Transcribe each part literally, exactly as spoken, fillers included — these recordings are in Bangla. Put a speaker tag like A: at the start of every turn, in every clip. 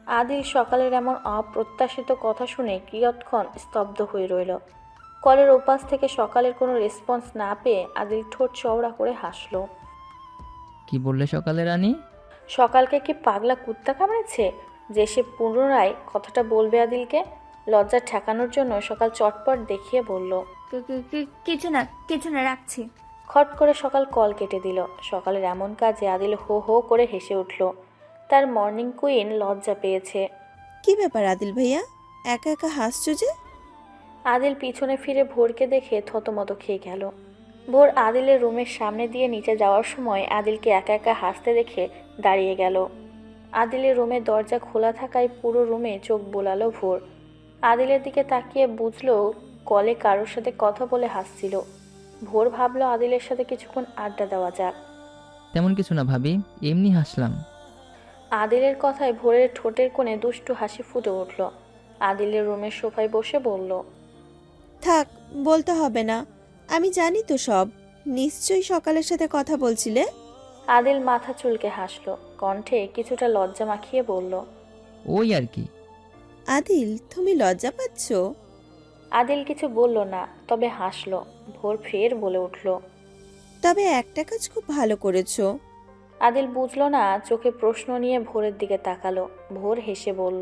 A: আদিল সকালের এমন অপ্রত্যাশিত কথা শুনে কিয়ৎক্ষণ স্তব্ধ হয়ে রইল। কলের ওপাশ থেকে সকালের কোনো রেসপন্স না পেয়ে আদিল ঠোঁট চওড়া করে হাসল।
B: কি বললে সকালে রানী?
A: সকালকে কি পাগলা কুত্তা কামড়েছে যে সে পুনরায় কথাটা বলবে আদিলকে? লজ্জা ঠেকানোর জন্য সকাল চটপট দেখিয়ে বলল,
C: কি- কি- কি- কিছু না কিছু না, রাখছি।
A: খট করে সকাল কল কেটে দিল। সকালের এমন কাজে আদিল হো হো করে হেসে উঠল। তার মর্নিং কুইন লজ্জা পেয়েছে।
D: কি ব্যাপার আদিল ভাইয়া, একা একা হাসছো যে?
A: আদিল পিছনে ফিরে ভোরকে দেখে থতমত খেয়ে গেল। ভোর আদিলের রুমের সামনে দিয়ে নিচে যাওয়ার সময় আদিলকে একা একা হাসতে দেখে দাঁড়িয়ে গেল। আদিলের রুমের দরজা খোলা থাকায় পুরো রুমে চোখ বোলালো ভোর। আদিলের দিকে তাকিয়ে বুঝলো কলে কারোর সাথে কথা বলে হাসছিল। ভোর ভাবলো আদিলের সাথে কিছুক্ষণ আড্ডা দেওয়া যাক।
B: তেমন কিছু না ভাবি, এমনি হাসলাম।
A: আদিলের কথায় ভোরের ঠোঁটের কোণে দুষ্টু হাসি ফুটে উঠল। আদিলের রুমের সোফায় বসে বলল,
D: থাক, বলতে হবে না, আমি জানি তো সব। নিশ্চয়ই সকালের সাথে কথা বলছিলে।
A: আদিল মাথা চুলকে হাসল, কণ্ঠে কিছুটা লজ্জা মাখিয়ে বলল,
B: ওই আর কি।
D: আদিল, তুমি লজ্জা পাচ্ছ?
A: আদিল কিছু বলল না, তবে হাসল। ভোর ফের বলে উঠল,
D: তবে একটা কাজ খুব ভালো করেছো।
A: আদিল বুঝল না, চোখে প্রশ্ন নিয়ে ভোরের দিকে তাকালো। ভোর হেসে বলল,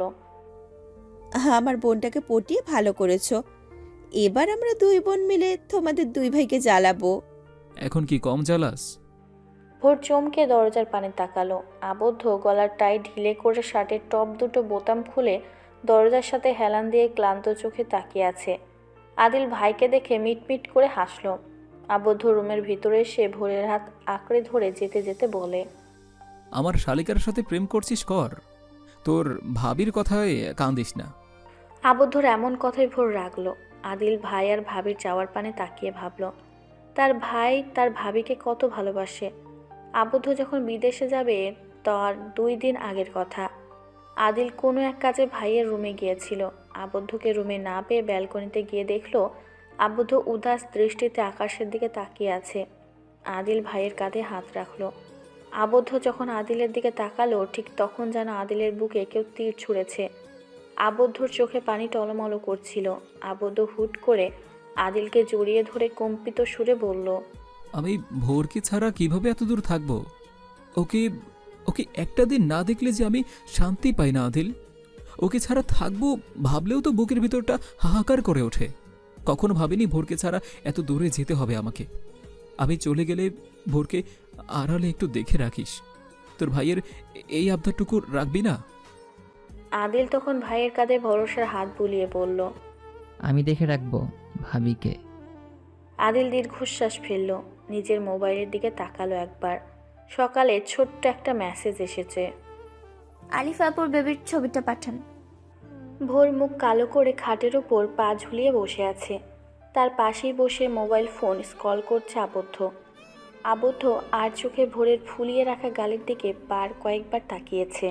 D: আমার বোনটাকে পটিয়ে ভালো করেছো। এবার আমরা দুই বোন মিলে তোমাদের দুই ভাইকে জ্বালাবো।
E: এখন কি কম জ্বালাস?
A: ভোর চমকে দরজার পানে তাকালো। আবদ্ধ গলার টাই ঢিলে করে শার্টের টপ দুটো বোতাম খুলে দরজার সাথে হেলান দিয়ে ক্লান্ত চোখে তাকিয়ে আছে। আদিল ভাইকে দেখে মিটমিট করে হাসল। আবদ্ধ রুমের ভিতরে এসে ভোরের হাত আঁকড়ে ধরে যেতে যেতে বলে,
E: আমার শালিকার সাথে প্রেম করছিস কর, তোর ভাবির কথায় কান্দিস না।
A: আবদ্ধর এমন কথাই ভোর রাখলো। আদিল ভাই আর ভাবির যাওয়ার পানে তাকিয়ে ভাবল, তার ভাই তার ভাবিকে কত ভালোবাসে। আবদ্ধ যখন বিদেশে যাবে তার দুই দিন আগের কথা। আদিল কোনো এক কাজে ভাইয়ের রুমে গিয়েছিল। আবদ্ধকে রুমে না পেয়ে ব্যালকনিতে গিয়ে দেখলো আবদ্ধ উদাস দৃষ্টিতে আকাশের দিকে তাকিয়ে আছে। আদিল ভাইয়ের কাঁধে হাত রাখলো। আবদ্ধ যখন আদিলের দিকে তাকালো, ঠিক তখন যেন আদিলের বুকে কেউ তীর ছুঁড়েছে। আবদ্ধর চোখে পানি টলমলো করছিল। আবদ্ধ হুট করে আদিলকে জড়িয়ে ধরে কম্পিত সুরে বলল,
E: আমি ভোরকে ছাড়া কিভাবে এত দূর থাকবো? ওকে ওকে একটা দিন না দেখলে যে আমি শান্তি পাই না আদিল। ওকে ছাড়া থাকবো ভাবলেও তো বুকের ভিতরটা হাহাকার করে ওঠে। কখনো ভাবিনি ভোরকে ছাড়া এত দূরে যেতে হবে আমাকে। আমি চলে গেলে ভোরকে আড়ালে একটু দেখে রাখিস। তোর ভাইয়ের এই আবদারটুকু রাখবি না?
A: আদিল তখন ভাইয়ের কাঁধে ভরসার হাত বুলিয়ে বলল,
B: আমি দেখে রাখবো ভাবিকে।
A: আদিল দীর্ঘশ্বাস ফেলল। নিজের মোবাইলের দিকে তাকালো একবার। সকালে ছোট্ট একটা মেসেজ এসেছে।
C: আলিফ আপুর বেবির ছবিটা পাঠান।
A: ভোর মুখ কালো করে খাটের ওপর পা ঝুলিয়ে বসে আছে। তার পাশেই বসে মোবাইল ফোন স্ক্রল করছে আবদ্ধ। আবদ্ধ আর চোখে ভোরের ফুলিয়ে রাখা গালের দিকে বার কয়েকবার তাকিয়েছে।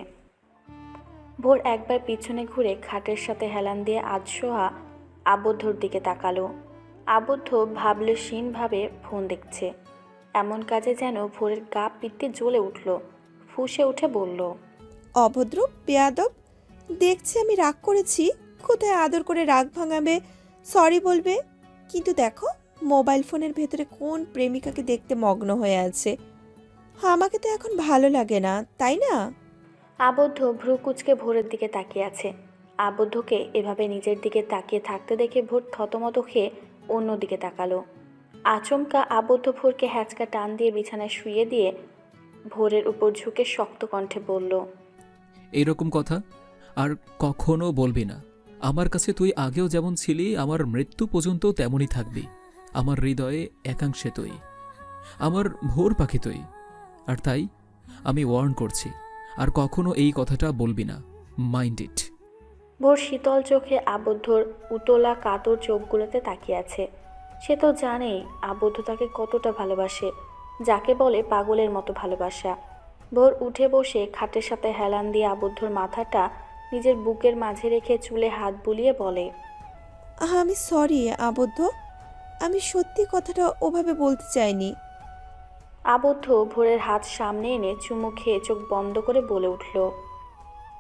A: ভোর একবার পিছনে ঘুরে খাটের সাথে হেলান দিয়ে আধশোয়া আবদ্ধর দিকে তাকালো। আবদ্ধ ভাবলেশীনভাবে ফোন দেখছে। এমন কাজে যেন ভোরের গা পিত্তে জ্বলে উঠল। ফুঁসে উঠে বলল,
D: অভদ্র, বেয়াদব। দেখছি আমি রাগ করেছি, কোথায় আদর করে রাগ ভাঙাবে, সরি বলবে। কিন্তু দেখো মোবাইল ফোনের ভেতরে কোন প্রেমিকাকে দেখতে মগ্ন হয়ে আছে। আমাকে তো এখন ভালো লাগে না, তাই না?
A: আবদ্ধ ভ্রু কুচকে ভোরের দিকে তাকিয়ে আছে। আবদ্ধকে এভাবে নিজের দিকে তাকিয়ে থাকতে দেখে ভোর থতমত খেয়ে অন্যদিকে তাকালো। আচমকা আবদ্ধ ভোরকে হ্যাঁচকা টান দিয়ে বিছানায় শুইয়ে দিয়ে ভোরের উপর ঝুঁকে শক্ত কণ্ঠে বলল,
E: এইরকম কথা আর কখনো বলবি না। আমার কাছে তুই আগেও যেমন ছিলি, আমার মৃত্যু পর্যন্ত তেমনই থাকবি। আমার হৃদয়ে একাংশে তুই, আমার ভোর পাখি তুই। আর তাই আমি ওয়ার্ন করছি, আর কখনো এই কথাটা বলবি না। Mind it.
A: ভোর শীতল চোখে আবদ্ধর উতলা কাতর চোখগুলোতে তাকিয়ে আছে। সে তো জানেই আবদ্ধ তাকে কতটা ভালোবাসে, যাকে বলে পাগলের মতো ভালোবাসা। ভোর উঠে বসে খাটের সাথে হেলান দিয়ে আবদ্ধর মাথাটা নিজের বুকের মাঝে রেখে চুলে হাত বুলিয়ে বলে,
D: আমি সরি আবদ্ধ, আমি সত্যি কথাটা ওভাবে বলতে চাইনি।
A: আবদ্ধ ভোরের হাত সামনে এনে চুমু খেয়ে চোখ বন্ধ করে বলে উঠল,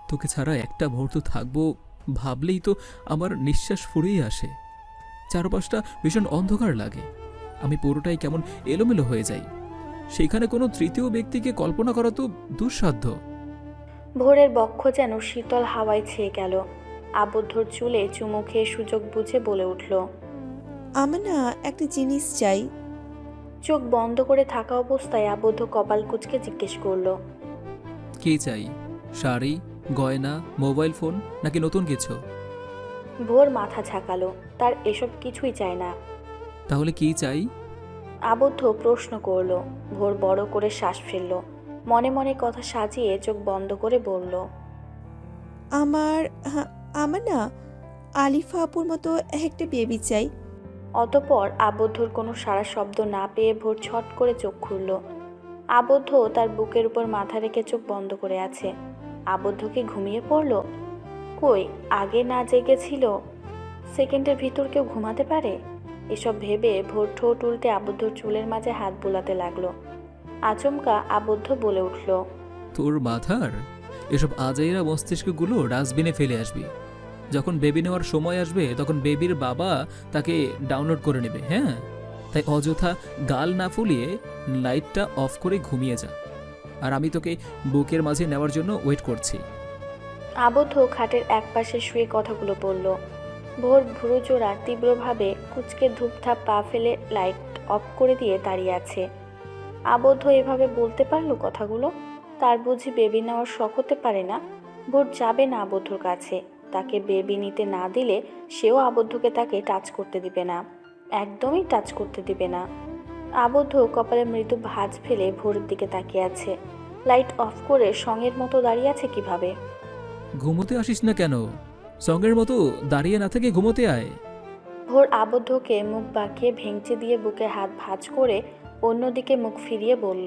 E: তোকে ছাড়া একটা মুহূর্ত থাকবো ভাবলেই তো আমার নিঃশ্বাস ফুরিয়ে আসে। চারপাশটা ভীষণ অন্ধকার লাগে, আমি পুরোটাই কেমন এলোমেলো হয়ে যাই। সেখানে কোনো তৃতীয় ব্যক্তিকে কল্পনা করা তো দুঃসাধ্য।
A: ভোরের বক্ষ যেন শীতল হাওয়ায় ছেয়ে গেল। আবদ্ধর চুলে চুমু খেয়ে সুযোগ বুঝে বলে উঠল,
D: আমার না একটা জিনিস চাই।
A: চোখ বন্ধ করে থাকা অবস্থায় আবদ্ধ কপাল কুঁচকে জিজ্ঞেস করলো,
E: কি চাই? শাড়ি, গয়না, মোবাইল ফোন, নাকি নতুন কিছু?
A: ভোর মাথা ঝাঁকালো, তার এসব কিছুই চায় না।
E: তাহলে কি চাই?
A: আবদ্ধ প্রশ্ন করলো। ভোর বড় করে শ্বাস ফেলল, মনে মনে কথা সাজিয়ে চোখ বন্ধ করে বলল,
D: আমার হ্যাঁ, আমার না আলিফা আপুর মতো একটা বেবি চাই।
A: অতঃপর আবদ্ধর কোনো সারা শব্দ না পেয়ে ভোর ছট করে চোখ খুলল। আবদ্ধ তার বুকের উপর মাথা রেখে চোখ বন্ধ করে আছে। আবদ্ধ কি ঘুমিয়ে পড়ল? কই, আগে না জেগেছিল? সেকেন্ডের ভিতর কেউ ঘুমাতে পারে? এসব ভেবে ভোর ঠোঁট উল্টে আবদ্ধর চুলের মাঝে হাত বুলাতে লাগলো। আচমকা আবদ্ধ বলে উঠল,
E: তোর মাথার এসব আজাইরা মস্তিষ্কগুলো ডাস্টবিনে ফেলে আসবি। যখন বেবি নেওয়ার সময় আসবে তখন বেবির বাবা তাকে ডাউনলোড করে নেবে। হ্যাঁ, তাই অযথা গাল না ফুলিয়ে লাইটটা অফ করে ঘুমিয়ে যা, আর আমি তোকে বুকের মাঝে নেওয়ার জন্য ওয়েট করছি।
A: আবদ্ধ খাটের একপাশে শুয়ে কথাগুলো বলল। ভোর ভুরু জোড়া তীব্রভাবে কুচকে ধূপধাপ পা ফেলে লাইট অফ করে দিয়ে দাঁড়িয়ে আছে। আবদ্ধ এভাবে বলতে পারলো কথাগুলো? তার বুঝি বেবি নেওয়ার শখ হতে পারে না? ভোর যাবে না আবদ্ধর কাছে। তাকে বেবি নিতে না দিলে সেও আবদ্ধকে তাকে টাচ করতে দিবে না, একদমই টাচ করতে দিবে না। আবদ্ধ কপালে মৃদু ভাঁজ ফেলে ভোরের দিকে তাকিয়ে আছে। লাইট অফ করে সঙ্গের মতো দাঁড়িয়ে আছে কিভাবে?
E: ঘুমোতে আসিস না কেন? সঙ্গের মতো দাঁড়িয়ে না থেকে ঘুমোতে আয়।
A: ভোর আবদ্ধকে মুখ বাঁকিয়ে ভেঙচি দিয়ে বুকে হাত ভাঁজ করে অন্যদিকে মুখ ফিরিয়ে বলল,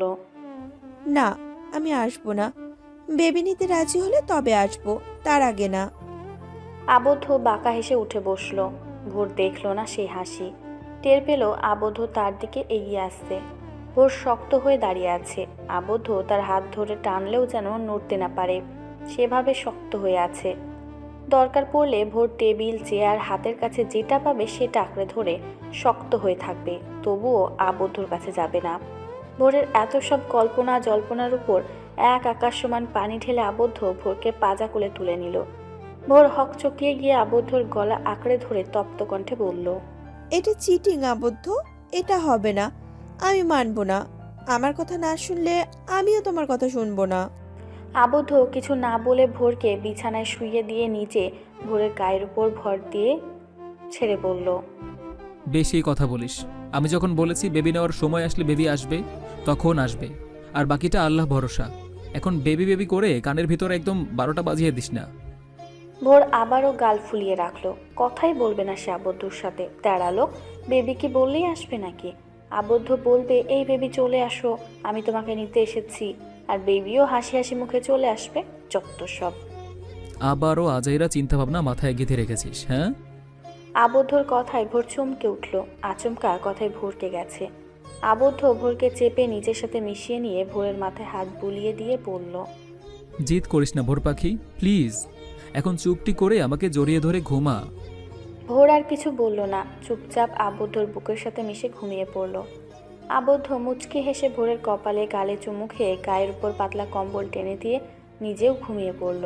D: না, আমি আসবো না। বেবি নিতে রাজি হলে তবে আসবো, তার আগে না।
A: আবদ্ধ বাঁকা হেসে উঠে বসলো। ভোর দেখলো না সেই হাসি। টের পেল আবদ্ধ তার দিকে এগিয়ে আসছে। ভোর শক্ত হয়ে দাঁড়িয়ে আছে। আবদ্ধ তার হাত ধরে টানলেও যেন নড়তে না পারে, সেভাবে শক্ত হয়ে আছে। দরকার পড়লে ভোর টেবিল, চেয়ার, হাতের কাছে যেটা পাবে সেটা আঁকড়ে ধরে শক্ত হয়ে থাকবে, তবুও আবদ্ধর কাছে যাবে না। ভোরের এত সব কল্পনা জল্পনার উপর এক আকাশ সমান পানি ঢেলে আবদ্ধ ভোরকে পাজা কোলে তুলে নিল। ভোর হকচকিয়ে গিয়ে আবদ্ধর গলা আঁকড়ে ধরে তপ্ত কণ্ঠে বলল,
D: এটা চিটিং আবদ্ধ, এটা হবে না। আমি মানবো না। আমার কথা না শুনলে আমিও তোমার কথা শুনবো না।
A: আবদ্ধ কিছু না বলে ভোরকে বিছানায় শুইয়ে দিয়ে নিচে ভোরের গায়ের উপর ভর দিয়ে ছেড়ে বলল,
E: বেশি কথা বলিস। আমি যখন বলেছি বেবি নেওয়ার সময় আসলে বেবি আসবে, তখন আসবে, আর বাকিটা আল্লাহ ভরসা। এখন বেবি বেবি করে কানের ভিতরে একদম বারোটা বাজিয়ে দিস না।
A: ভোর আবারও গাল ফুলিয়ে রাখলো। কথাই বলবে না সে আবদ্ধর সাথে। তেড়ালো, বেবি কি বললেই আসবে নাকি? আবদ্ধ বলবে, এই বেবি চলে আসো, আমি তোমাকে নিতে এসেছি, আর বেবিও হাসি হাসি মুখে চলে আসবে। যত সব।
E: আবারও আজাইরা চিন্তাভাবনা মাথায় গেঁথে রেখেছিস। হ্যাঁ,
A: আবদ্ধর কথায় ভোর চমকে উঠল। আচমকা কথায় ভোরকে গেছে। আবদ্ধ ভোরকে চেপে নিজের সাথে মিশিয়ে নিয়ে ভোরের মাথায় হাত বুলিয়ে দিয়ে বলল,
E: জিদ করিস না ভোর পাখি, প্লিজ। এখন চুপটি করে আমাকে জড়িয়ে ধরে ঘুমা।
A: ভোর আর কিছু বলল না, চুপচাপ আবদ্ধর বুকের সাথে মিশে ঘুমিয়ে পড়ল। আবদ্ধ মুচকি হেসে ভোরের কপালে গালে চুমু খেয়ে গায়ের উপর পাতলা কম্বল টেনে দিয়ে নিজেও ঘুমিয়ে পড়ল।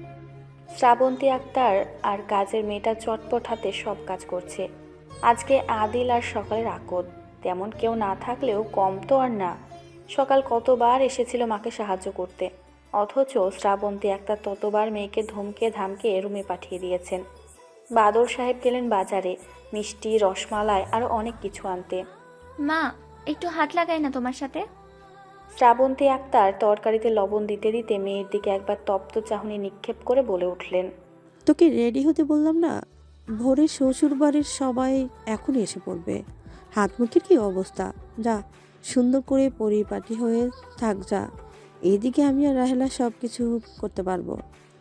A: শ্রাবন্তী আক্তার আর কাজের মেয়েটা চটপট হাতে সব কাজ করছে। আজকে আদিল আর সকালের আকদ। তেমন কেউ না থাকলেও কম তো আর না। সকাল কতবার এসেছিল মাকে সাহায্য করতে, অথচ শ্রাবন্তী আক্তার ততবার মেয়েকে ধমকে ধামকে রুমে পাঠিয়ে দিয়েছেন। বাদল সাহেব গেলেন বাজারে মিষ্টি, রসমালাই আরও অনেক কিছু আনতে।
C: মা, একটু হাত লাগাই না তোমার সাথে?
A: শ্রাবন্তী আক্তার তরকারিতে লবণ দিতে দিতে মেয়ের দিকে একবার তপ্ত চাহনি নিক্ষেপ করে বলে উঠলেন,
F: তোকে রেডি হতে বললাম না? ভোরে শ্বশুর বাড়ির সবাই এখন এসে পড়বে। হাত মুখের কি অবস্থা? যা, সুন্দর করে পরিপাটি হয়ে থাক যা। এইদিকে আমি আর রাহেলা সব কিছু করতে পারবো।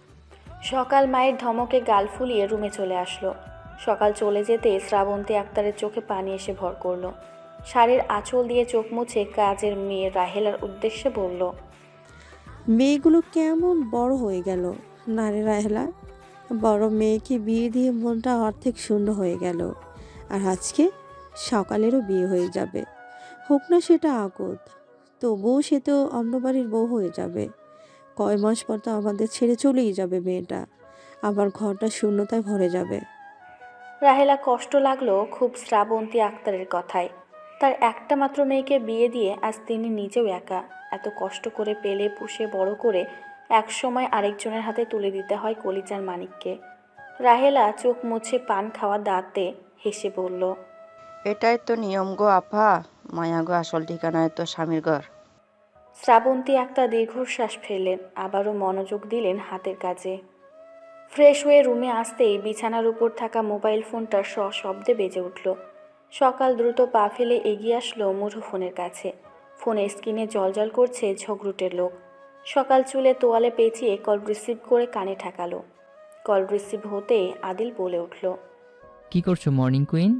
A: সকাল মায়ের ধমকে গাল ফুলিয়ে রুমে চলে আসলো। সকাল চলে যেতে শ্রাবন্তী আক্তারের চোখে পানি এসে ভর করলো। শাড়ির আঁচল দিয়ে চোখ মুছে কাজের মেয়ে রাহেলার উদ্দেশ্যে বলল,
F: মেয়েগুলো কেমন বড় হয়ে গেল, না রে রাহেলা, বড় মেয়েকে বিয়ে দিয়ে মনটা অর্ধেক শূন্য হয়ে গেল। আর আজকে সকালেরও বিয়ে হয়ে যাবে। হোক না সেটা আগত, তবুও সে তো অন্য বাড়ির বউ হয়ে যাবে। কয় মাস পর তো আমাদের ছেড়ে চলেই যাবে মেয়েটা। আমার ঘরটা শূন্যতায় ভরে যাবে।
A: রাহেলা কষ্ট লাগলো খুব শ্রাবন্তী আক্তারের কথায়। তার একটা মাত্র মেয়েকে বিয়ে দিয়ে আজ তিনি নিজেও একা, এত কষ্ট করে পেলে পুষে বড় করে একসময় আরেকজনের হাতে তুলে দিতে হয় কলিজার মানিককে। রাহেলা চোখ মুছে পান খাওয়া দাঁতে হেসে বলল,
G: এটাই তো নিয়ম গো আপা। মায়া গো আসল ঠিকানায় তো স্বামীর ঘর।
A: শ্রাবন্তী একটা দীর্ঘশ্বাস ফেললেন, আবারও মনোযোগ দিলেন হাতের কাজে। ফ্রেশ হয়ে রুমে আসতেই বিছানার উপর থাকা মোবাইল ফোনটা সশব্দে বেজে উঠল। সকাল দ্রুত পা ফেলে এগিয়ে আসলো মুঠো ফোনের কাছে। ফোনের স্ক্রিনে জলজল করছে ঝগড়ুটের লোক। সকাল চুলে তোয়ালে পেঁচিয়ে কল রিসিভ করে কানে ঠেকালো। কল রিসিভ হতেই আদিল বলে উঠল,
B: কি করছো মর্নিং কুইন?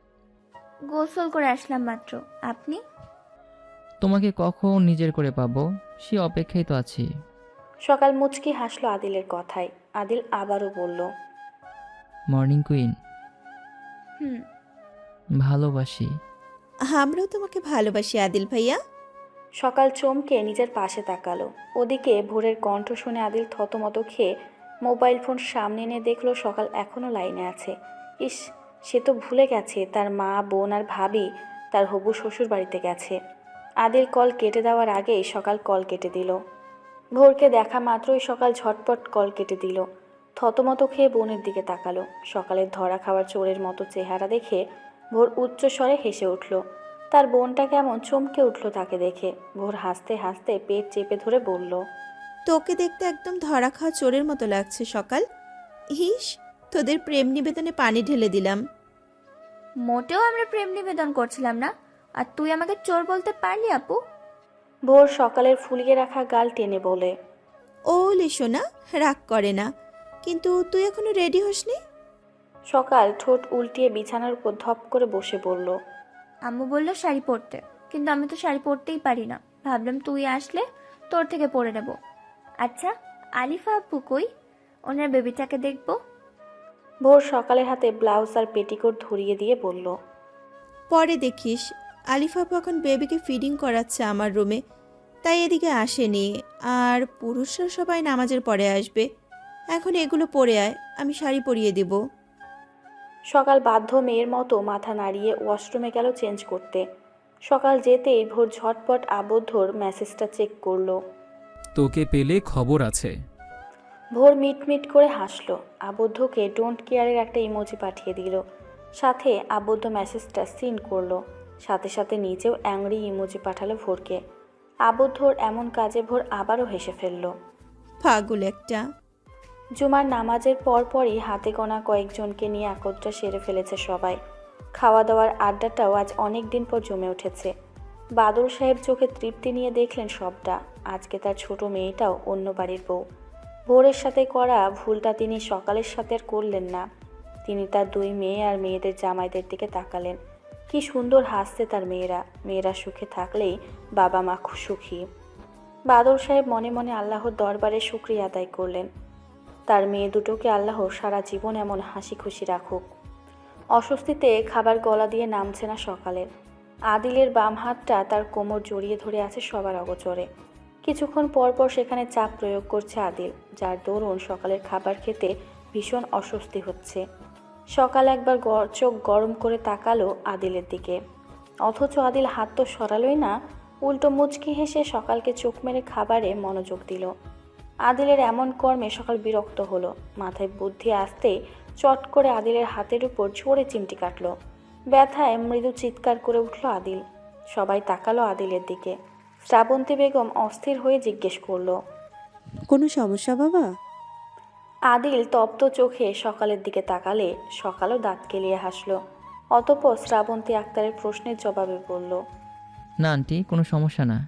C: গোসল করে আসলাম মাত্র। আপনি?
B: তোমাকে কখন নিজের করে পাবো সে অপেক্ষায় তো আছি।
A: সকাল মুচকি হাসলো আদিলের কথায়। আদিল আবারও বলল,
B: মর্নিং কুইন,
C: হুম।
B: ভালোবাসি।
D: আমরাও তোমাকে ভালোবাসি আদিল ভাইয়া।
A: সকাল চমকে নিজের পাশে তাকালো। ওদিকে ভোরের কণ্ঠ শুনে আদিল থতমত খেয়ে মোবাইল ফোন সামনে এনে দেখলো সকাল এখনও লাইনে আছে। ইস, সে তো ভুলে গেছে তার মা, বোন আর ভাবি তার হবু শ্বশুর বাড়িতে গেছে। আদিল কল কেটে দেওয়ার আগেই সকাল কল কেটে দিল। ভোরকে দেখা মাত্রই সকাল ঝটপট কল কেটে দিল। থতমত খেয়ে বোনের দিকে তাকালো। সকালের ধরা খাওয়ার চোরের মতো চেহারা দেখে ভোর উচ্চ স্বরে হেসে উঠল। তার বোনটা কেমন চমকে উঠল তাকে দেখে। ভোর হাসতে হাসতে পেট চেপে ধরে বলল,
D: তোকে দেখতে একদম ধরা খাওয়া চোরের মতো লাগছে সকাল। হিস, তোদের প্রেম নিবেদনে পানি ঢেলে দিলাম।
C: মোটেও আমরা প্রেম নিবেদন করছিলাম না। আর তুই আমাকে চোর বলতে পারলি আপু?
A: ভোর সকালের ফুলিয়ে রাখা গাল টেনে বলে,
D: ও লিশোনা, রাগ করে না, কিন্তু তুই এখনো রেডি হসনি?
A: সকাল ঠোঁট উল্টিয়ে বিছানার উপর ধপ করে বসে বলল,
C: আম্মু বললো শাড়ি পরতে, কিন্তু আমি তো শাড়ি পরতেই পারি না। ভাবলাম তুই আসলে তোর থেকে পরে নেব। আচ্ছা, আলিফা আপু কই? ওনার বেবিটাকে দেখবো।
A: ভোর সকালের হাতে ব্লাউজ আর পেটিকোট ধরিয়ে দিয়ে বলল,
D: পরে দেখিস। আলিফাপু এখন বেবিকে ফিডিং করাচ্ছে আমার রুমে, তাই এদিকে আসেনি। আর পুরুষরা সবাই নামাজের পরে আসবে। এখন এগুলো পরে আয়, আমি শাড়ি পরিয়ে দিব।
A: সকাল বাধ্য মেয়ের মতো মাথা নাড়িয়ে ওয়াশরুমে গেল চেঞ্জ করতে। সকাল যেতেই ভোর ঝটপট আবদ্ধর মেসেজটা চেক করলো।
E: তোকে পেলে খবর আছে।
A: ভোর মিটমিট করে হাসলো। আবদ্ধকে ডোন্ট কেয়ারের একটা ইমোজি পাঠিয়ে দিল। সাথে আবদ্ধ মেসেজটা সিন করলো। সাথে সাথে নিজেও অ্যাংরি ইমোজি পাঠালো ভোরকে। আবদ্ধর এমন কাজে ভোর আবারও হেসে ফেলল।
D: পাগল একটা।
A: জুমার নামাজের পরপরই হাতে গোনা কয়েকজনকে নিয়ে একত্রে সেরে ফেলেছে সবাই। খাওয়া দাওয়ার আড্ডাটাও আজ অনেক দিন পর জমে উঠেছে। বাদল সাহেব চোখে তৃপ্তি নিয়ে দেখলেন সবটা। আজকে তার ছোট মেয়েটাও অন্য বাড়ির বউ। ভোরের সাথে করা ভুলটা তিনি সকালের সাথে আর করলেন না। তিনি তার দুই মেয়ে আর মেয়েদের জামাইদের দিকে তাকালেন। কি সুন্দর হাসছে তার মেয়েরা। মেয়েরা সুখে থাকলেই বাবা মা সুখী। বাদল সাহেব মনে মনে আল্লাহর দরবারে শুকরিয়া আদায় করলেন। তার মেয়ে দুটোকে আল্লাহ সারা জীবন এমন হাসি খুশি রাখুক। অস্বস্তিতে খাবার গলা দিয়ে নামছে না সকালের। আদিলের বাম হাতটা তার কোমর জড়িয়ে ধরে আছে সবার অগোচরে। কিছুক্ষণ পর পর সেখানে চাপ প্রয়োগ করছে আদিল, যার দরুন সকালের খাবার খেতে ভীষণ অস্বস্তি হচ্ছে। সকাল একবার চোখ গরম করে তাকালো আদিলের দিকে, অথচ আদিল হাত তো সরালোই না, উল্টো মুচকি হেসে সকালকে চোখ মেরে খাবারে মনোযোগ দিল। আদিলের এমন কর্মে সকাল বিরক্ত হলো। মাথায় বুদ্ধি আসতেই চট করে আদিলের হাতের উপর জোরে চিমটি কাটল। ব্যথায় মৃদু চিৎকার করে উঠল আদিল। সবাই তাকালো আদিলের দিকে। শ্রাবন্তী বেগম অস্থির হয়ে জিজ্ঞেস করলো,
F: কোনো সমস্যা বাবা?
A: আদিল তপ্ত চোখে সকালের দিকে তাকালে সকালও দাঁত কেলিয়ে হাসল। অতঃপর শ্রাবন্তী আক্তারের প্রশ্নের জবাবে বলল,
B: না আন্টি, কোনো সমস্যা না।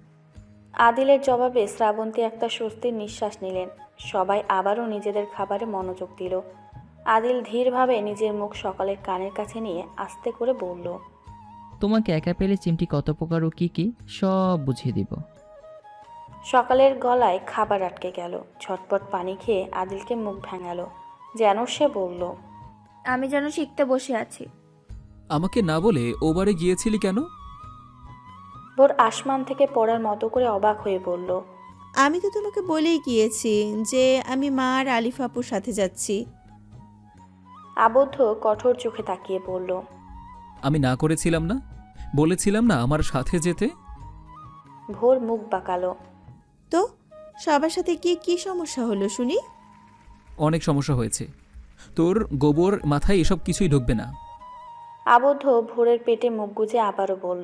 A: আদিলের জবাবে শ্রাবন্তী একটা স্বস্তির নিঃশ্বাস নিলেন। সবাই আবারও নিজেদের খাবারে মনোযোগ দিল। আদিল ধীরভাবে নিজের মুখ সকালের কানের কাছে নিয়ে আস্তে করে বলল,
B: তোমাকে একা পেলে চিমটি কত প্রকার ও কী কী সব বুঝিয়ে দিব।
A: সকালের গলায় খাবার আটকে গেল। ঝটপট পানি খেয়ে আদিলকে মুখ ভেঙালো, যেন সে বলল,
C: আমি যেন শিখতে বসে আছি।
E: আমাকে না বলে ও বাড়ি গিয়েছিলি কেন?
A: ভোর আসমান থেকে পড়ার মতো করে অবাক হয়ে বলল,
D: আমি তো তোমাকে বলেই গিয়েছি যে আমি মা আর আলিফ আপুর সাথে যাচ্ছি।
A: আবদ্ধ কঠোর চোখে তাকিয়ে বলল,
E: আমি না করেছিলাম না? বলেছিলাম না আমার সাথে যেতে?
A: ভোর মুখ বাঁকালো।
D: তো সবার সাথে গিয়ে কি সমস্যা হলো শুনি?
E: অনেক সমস্যা হয়েছে। তোর গোবর মাথায় এসব কিছুই ঢুকবে না।
A: আবদ্ধ ভোরের পেটে মুখ গুজে আবারও বলল,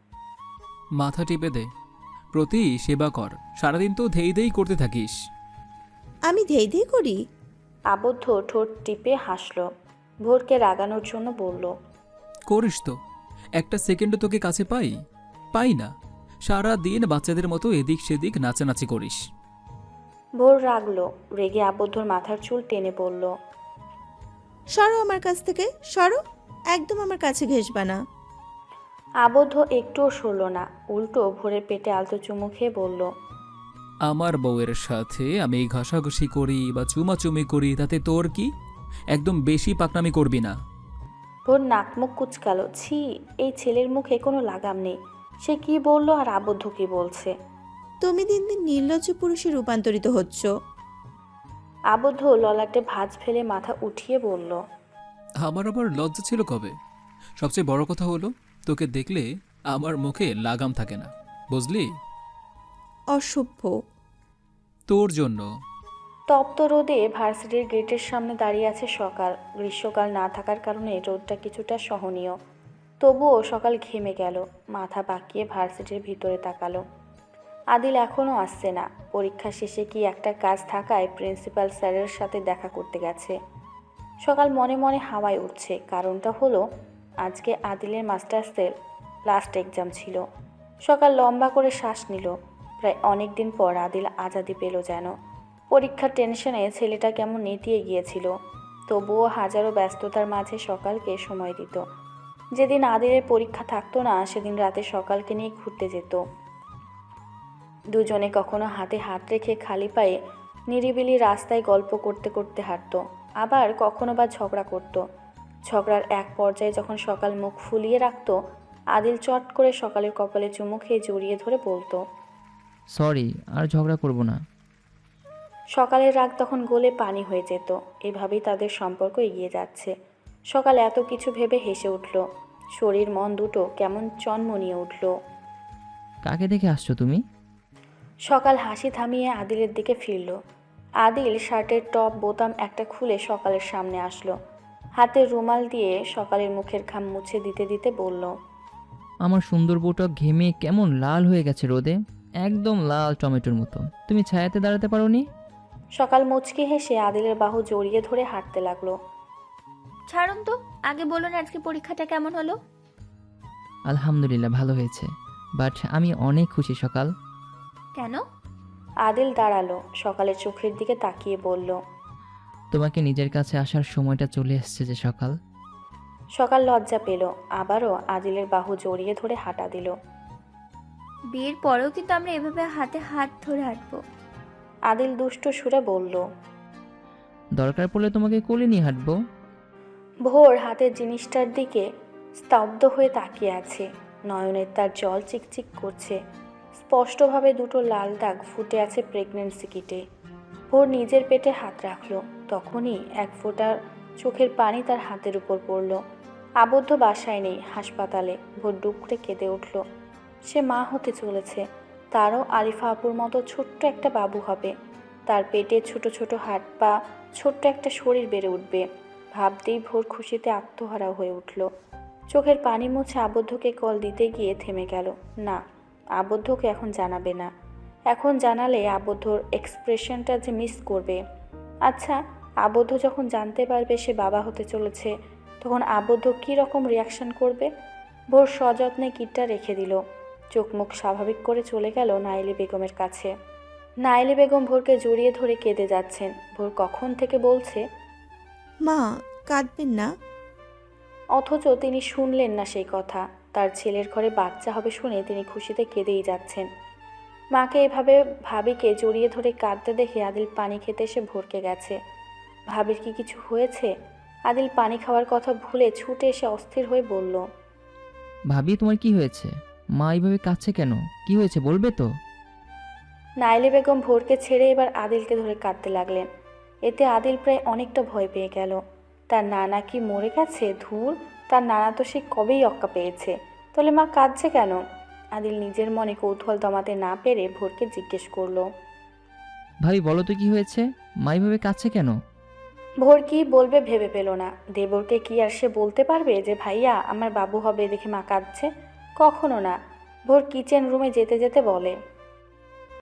E: মাথা টিপে দে, প্রতি সেবা কর। সারাদিন তো ধেই ধেই করতে থাকিস।
D: আমি ধেই ধেই করি?
A: আবদ্ধ ঠোঁট টিপে হাসল। ভোরকে রাগানোর জন্য বলল,
E: করিস তো। একটা সেকেন্ডও তোকে কাছে পাই? পাই না। সারা দিন বাচ্চাদের মতো এদিক সেদিক নাচানাচি করিস।
A: ভোর রাগলো। রেগে আবদ্ধর মাথার চুল টেনে বলল,
D: সরো আমার কাছ থেকে, সরো, একদম আমার কাছে ঘেসবা না।
A: আবদ্ধ একটুও সরল না, উল্টো ভোরের পেটে আলতো চুমু খেয়ে বলল,
E: আমার বউয়ের সাথে আমি ঘষাঘষি করি বা চুমাচুমি করি, তাতে তোর কি? একদম বেশি পাকনামি করবি না।
A: ভোর নাক মুখ কুচকালো। ছি, এই ছেলের মুখে কোনো লাগাম নেই। সে কি বলল আর আবদ্ধ কি বলছে?
D: তুমি দিন দিন নির্লজ্জ পুরুষে রূপান্তরিত হচ্ছ।
A: আবদ্ধ ললাটে ভাঁজ ফেলে মাথা উঠিয়ে বলল,
E: আমার আবার লজ্জা ছিল কবে? সবচেয়ে বড় কথা হলো, তোকে দেখলে আমার মুখে লাগাম থাকে না, বুঝলি?
D: অসভ্য।
E: তোর জন্য।
A: তপ্ত রোদে ভার্সিটির গেটের সামনে দাঁড়িয়ে আছে সকাল। গ্রীষ্মকাল না থাকার কারণে রোদটা কিছুটা সহনীয়। তবুও সকাল ঘেমে গেল। মাথা বাঁকিয়ে ভার্সিটির ভিতরে তাকালো। আদিল এখনও আসছে না। পরীক্ষা শেষে কি একটা কাজ থাকায় প্রিন্সিপাল স্যারের সাথে দেখা করতে গেছে। সকাল মনে মনে হাওয়ায় উঠছে। কারণটা হলো আজকে আদিলের মাস্টার্সের লাস্ট এক্সাম ছিল। সকাল লম্বা করে শ্বাস নিল। প্রায় অনেক দিন পর আদিল আজাদি পেল যেন। পরীক্ষার টেনশনে ছেলেটা কেমন নেতিয়ে গিয়েছিল। তবুও হাজারো ব্যস্ততার মাঝে সকালকে সময় দিত। যেদিন আদিলের পরীক্ষা থাকতো না সেদিন রাতে সকালকে নিয়ে ঘুরতে যেত। দুজনে কখনো হাতে হাত রেখে খালি পায়ে নিরিবিলি রাস্তায় গল্প করতে করতে হাঁটতো, আবার কখনো বা ঝগড়া করত। ঝগড়ার এক পর্যায়ে যখন সকাল মুখ ফুলিয়ে রাখত, আদিল চট করে সকালের কপালে চুমু খেয়ে জড়িয়ে ধরে বলতো,
B: সরি, আর ঝগড়া করব না।
A: সকালের রাগ তখন গলে পানি হয়ে যেত। এভাবেই তাদের সম্পর্ক এগিয়ে যাচ্ছে। সকাল এত কিছু ভেবে হেসে উঠল। শরীর মন দুটো কেমন চনমনিয়ে উঠল।
B: কাকে দেখে আসছো তুমি?
A: সকাল হাসি থামিয়ে আদিলের দিকে ফিরল। আদিল শার্টের টপ বোতাম একটা খুলে সকালের সামনে আসলো। হাতের রুমাল দিয়ে সকালের মুখের ঘাম মুছে দিতে দিতে বলল,
B: আমার সুন্দর বউটা ঘেমে কেমন লাল হয়ে গেছে রোদে, একদম লাল টমেটোর মতো। তুমি ছায়াতে দাঁড়াতে পারোনি?
A: সকাল মুচকি হেসে আদিলের বাহু জড়িয়ে ধরে হাঁটতে লাগলো।
C: ছাড়ুন তো, আগে বলুন আজকে পরীক্ষাটা কেমন হলো?
B: আলহামদুলিল্লাহ, ভালো হয়েছে, বাট আমি অনেক খুশি সকাল।
C: কেন?
A: আদিল দাঁড়ালো, সকালের চোখের দিকে তাকিয়ে বলল,
B: তোমাকে নিজের কাছে আসার সময়টা চলে এসেছে যে সকাল।
A: সকাল লজ্জা পেল। আবারও আদিলের বাহু জড়িয়ে ধরে হাঁটা দিল।
C: বিয়ের পরেও কিন্তু আমরা এভাবে হাতে হাত ধরে হাঁটবো।
A: আদিল দুষ্ট সুরে বলল।
B: দরকার পড়লে তোমাকে কোলে নিয়ে হাঁটবো।
A: ভোর হাতের জিনিসটার দিকে স্তব্ধ হয়ে তাকিয়ে আছে। নয়নের তার জল চিকচিক করছে। স্পষ্টভাবে দুটো লাল দাগ ফুটে আছে প্রেগন্যান্সি কিটে। ভোর নিজের পেটে হাত রাখলো। তখনই এক ফোঁটা চোখের পানি তার হাতের উপর পড়ল। আবদ্ধ বাসায় নেই, হাসপাতালে। ভোর ডুকরে কেঁদে উঠল। সে মা হতে চলেছে। তারও আরিফা আপুর মতো ছোট্ট একটা বাবু হবে। তার পেটে ছোট ছোট হাত পা, ছোট্ট একটা শরীর বেড়ে উঠবে। ভাবতেই ভোর খুশিতে আত্মহারা হয়ে উঠল। চোখের পানি মুছে আবদ্ধকে কল দিতে গিয়ে থেমে গেল। না, আবদ্ধকে এখন জানাবে না। এখন জানালে আবদ্ধর এক্সপ্রেশনটা যে মিস করবে। আচ্ছা, আবদ্ধ যখন জানতে পারবে সে বাবা হতে চলেছে, তখন আবদ্ধ কী রকম রিয়াকশন করবে? ভোর সযত্নে কিটটা রেখে দিল। চোখ মুখ স্বাভাবিক করে চলে গেল নাইলি বেগমের কাছে। নাইলি বেগম ভোরকে জড়িয়ে ধরে কেঁদে যাচ্ছেন। ভোর কখন থেকে বলছে,
D: মা, কাঁদবেন না।
A: অথচ তিনি শুনলেন না সেই কথা। তার ছেলের ঘরে বাচ্চা হবে শুনে তিনি খুশিতে কেঁদেই যাচ্ছেন। মাকে এভাবে ভাবিকে জড়িয়ে ধরে কাঁদতে দেখে আদিল পানি খেতে এসে ভরকে গেছে। ভাবির কি কিছু হয়েছে? আদিল পানি খাওয়ার কথা ভুলে ছুটে এসে অস্থির হয়ে বলল,
B: ভাবি তোমার কি হয়েছে? মা এইভাবে কাঁদছে কেন? কি হয়েছে বলবে তো?
A: নাইলে বেগম ভোরকে ছেড়ে এবার আদিলকে ধরে কাঁদতে লাগলেন। এতে আদিল প্রায় অনেকটা ভয় পেয়ে গেল। তার নানা কি মরে গেছে? ধুর, তার নানা তো সে কবেই অক্কা পেয়েছে, তাহলে মা কাঁদছে কেন? আদিল নিজের মনে কৌতূহল দমাতে না পেরে ভোরকে জিজ্ঞেস করলো।
B: ভাবি বলো তো কি হয়েছে? মা এইভাবে কাঁদছে কেন?
A: ভোর কি বলবে ভেবে পেল না। দেবরকে কি আর সে বলতে পারবে যে ভাইয়া আমার বাবু হবে দেখে মা কাঁদছে? কখনো না। ভোর কিচেন রুমে যেতে যেতে বলে,